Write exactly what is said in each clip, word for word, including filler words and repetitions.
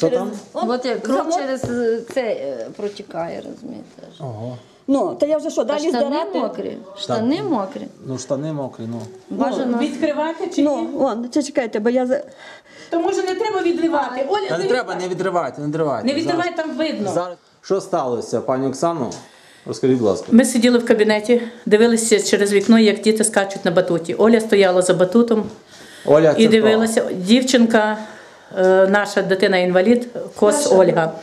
Що там? От як кров через це е, протікає, розумієте. Ого. Ну, та я вже що, А далі штани здирати? мокрі, штани мокрі. Ну, штани мокрі, ну. Бажано. Відкривати чи Ну, ні? вон, це чекайте, бо я... за- То може не треба відривати. Оля, Та не треба, не відривайте, не відривайте. Не відривай, там видно. Зараз. Що сталося, пані Оксано? Розкажіть, будь ласка. Ми сиділи в кабінеті, дивилися через вікно, як діти скачуть на батуті. Оля стояла за батутом Оля, це і хто? дивилася. Дівчинка, е, наша дитина-інвалід, Кос Ольга,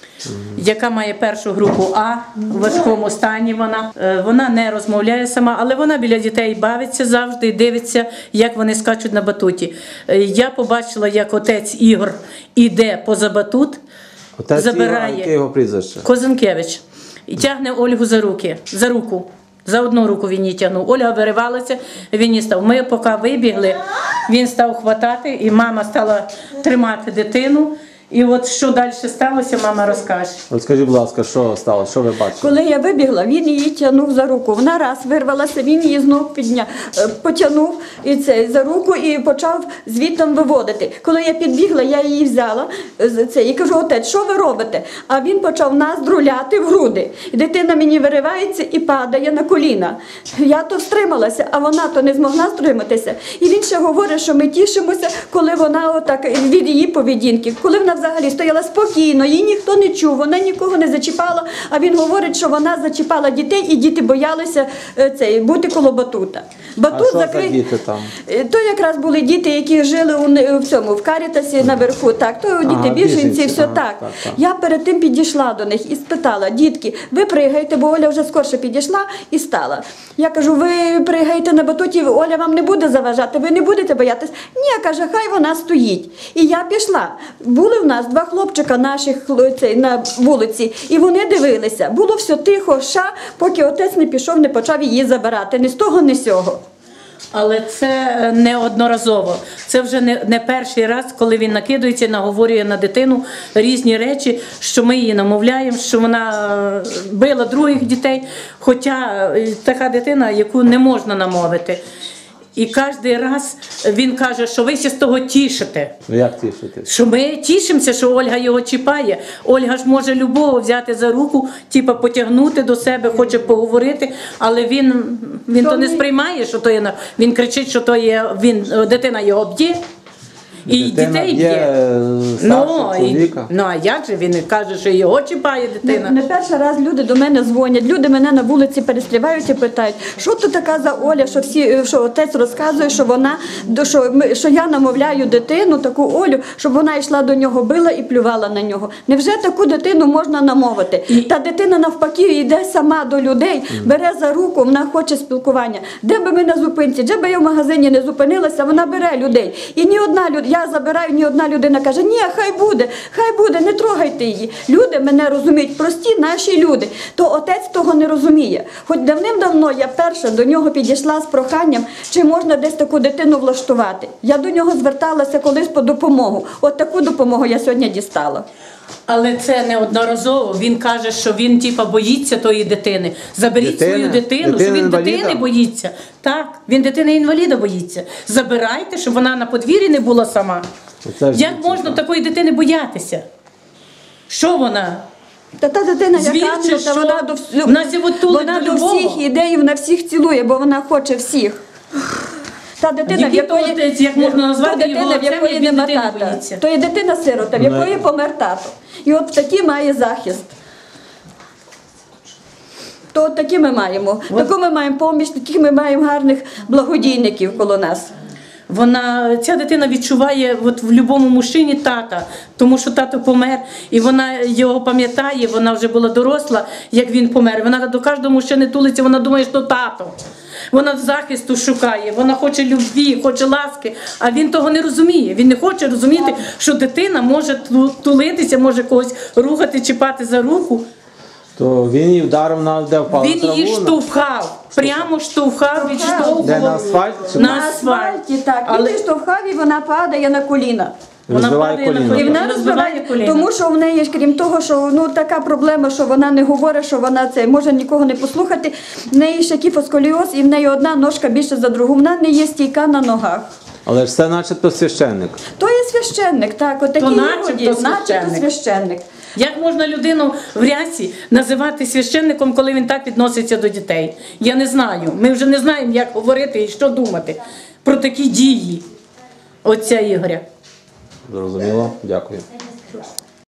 яка має першу групу А, в важкому стані вона. Е, Вона не розмовляє сама, але вона біля дітей бавиться завжди і дивиться, як вони скачуть на батуті. Е, Я побачила, як отець Ігор іде поза батут, Отець забирає. Ігор, яке його прізвище? Козинкевич. І тягне Ольгу за руки, за руку. За одну руку він її тягнув. Ольга виривалася, він її став. Ми поки вибігли, він став хватати, і мама стала тримати дитину. І от що далі сталося, мама розкаже. Розкажіть, будь ласка, що сталося, що ви бачите? Коли я вибігла, він її тягнув за руку. Вона раз вирвалася, він її знов підняв, е, потягнув і це, за руку і почав звідтам виводити. Коли я підбігла, я її взяла е, з- це, і кажу: отець, що ви робите? А він почав нас друляти в груди. І дитина мені виривається і падає на коліна. Я то стрималася, а вона то не змогла стриматися. І він ще говорить, що ми тішимося, коли вона отак від її поведінки, коли вона взагалі стояла спокійно, її ніхто не чув, вона нікого не зачіпала, а він говорить, що вона зачіпала дітей і діти боялися е, цей, бути коло батута. Батут А що за закрий- діти там? Е, То якраз були діти, які жили у, не- в цьому, в Карітасі наверху, так, то діти Ага, біженці, біженці, все ага, так. так, так. Я перед тим підійшла до них і спитала: дітки, ви пригаєте, бо Оля вже скорше підійшла і стала. Я кажу: ви пригаєте на батуті, Оля вам не буде заважати, ви не будете боятись? Ні, каже, хай вона стоїть. І я пішла. Були в нас два хлопчика наших хло- цей, на вулиці, і вони дивилися. Було все тихо, ша, поки отець не пішов, не почав її забирати. Ні з того, ні з сього. Але це не одноразово. Це вже не, не перший раз, коли він накидується і наговорює на дитину різні речі, що ми її намовляємо, що вона е, била других дітей, хоча е, така дитина, яку не можна намовити. І кожен раз він каже, що ви ще з того тішите. Ну як тішитись? Що ми тішимося, що Ольга його чіпає. Ольга ж може любого взяти за руку, типу потягнути до себе, хоче поговорити, але він, він то не сприймає, що то є, на- він кричить, що то є, він, дитина його б'є. І Дитина дітей б'є, б'є. е, Ну, старшого і, чоловіка. ну, а як же він каже, що його чіпає Не, дитина? не перший раз люди до мене дзвонять, люди мене на вулиці перестрівають і питають, що то така за Оля, що всі, що отець розказує, що вона, до- що, ми, що я намовляю дитину, таку Олю, щоб вона йшла до нього, била і плювала на нього. Невже таку дитину можна намовити? Та дитина навпаки йде сама до людей, бере за руку, вона хоче спілкування. Де би ми на зупинці, де би я в магазині не зупинилася, вона бере людей. І ні одна людина, я забираю, ні одна людина каже: ні, хай буде, хай буде, не трогайте її. Люди мене розуміють, прості наші люди. То отець того не розуміє. Хоч давним-давно я перша до нього підійшла з проханням, чи можна десь таку дитину влаштувати. Я до нього зверталася колись по допомогу. От таку допомогу я сьогодні дістала. Але це не одноразово. Він каже, що він типа боїться тої дитини. Заберіть Дитини? свою дитину, що він Дитини-інваліда? дитини боїться. Так, він дитини-інваліда боїться. Забирайте, щоб вона на подвір'ї не була сама. Оце ж Як дійсно, можна так. такої дитини боятися? Що вона? Та та дитина, Звідси, яка та що? вона до, вс- Вона сьогодні тулить вона до до любого. всіх іде і вона всіх цілує, бо вона хоче всіх. Та дитина, в Який то якої, отець, як можна назвати то його дитина, в отцем, якої як він нема дитини тата. боїться? То є дитина-сирота, в якої Ну, помер тато. І от такий має захист. То от такі ми маємо. Таку ми маємо поміч, таких ми маємо гарних благодійників коло нас. Вона, ця дитина відчуває от в будь-якому мужчині тата, тому що тато помер, і вона його пам'ятає, вона вже була доросла, як він помер. Вона до кожного мужчини тулиться, вона думає, що тато. Вона захисту шукає, вона хоче любві, хоче ласки, а він того не розуміє. Він не хоче розуміти, що дитина може ту- тулитися, може когось рухати, чіпати за руку. То він її вдарив на де впала Він її траву, на- штовхав, прямо штовхав, відштовхував. Де, на асфальті чи На на- На асфальті, так. Але- Він штовхав і вона падає на коліна. Вона Розбиває падає на коліно. І коліна. вона Розбиває розбиває, коліна. тому що в неї ж, крім того, що ну така проблема, що вона не говорить, що вона це може нікого не послухати. В неї ще кіфосколіоз, і в неї одна ножка більше за другу. Вона не є стійка на ногах. Але ж це начебто священник. То є священник, так, от такий начебто Ігор є, начебто священник. священник. Як можна людину в рясі називати священником, коли він так відноситься до дітей? Я не знаю. Ми вже не знаємо, як говорити і що думати про такі дії отця Ігоря. Зрозуміло? Дякую.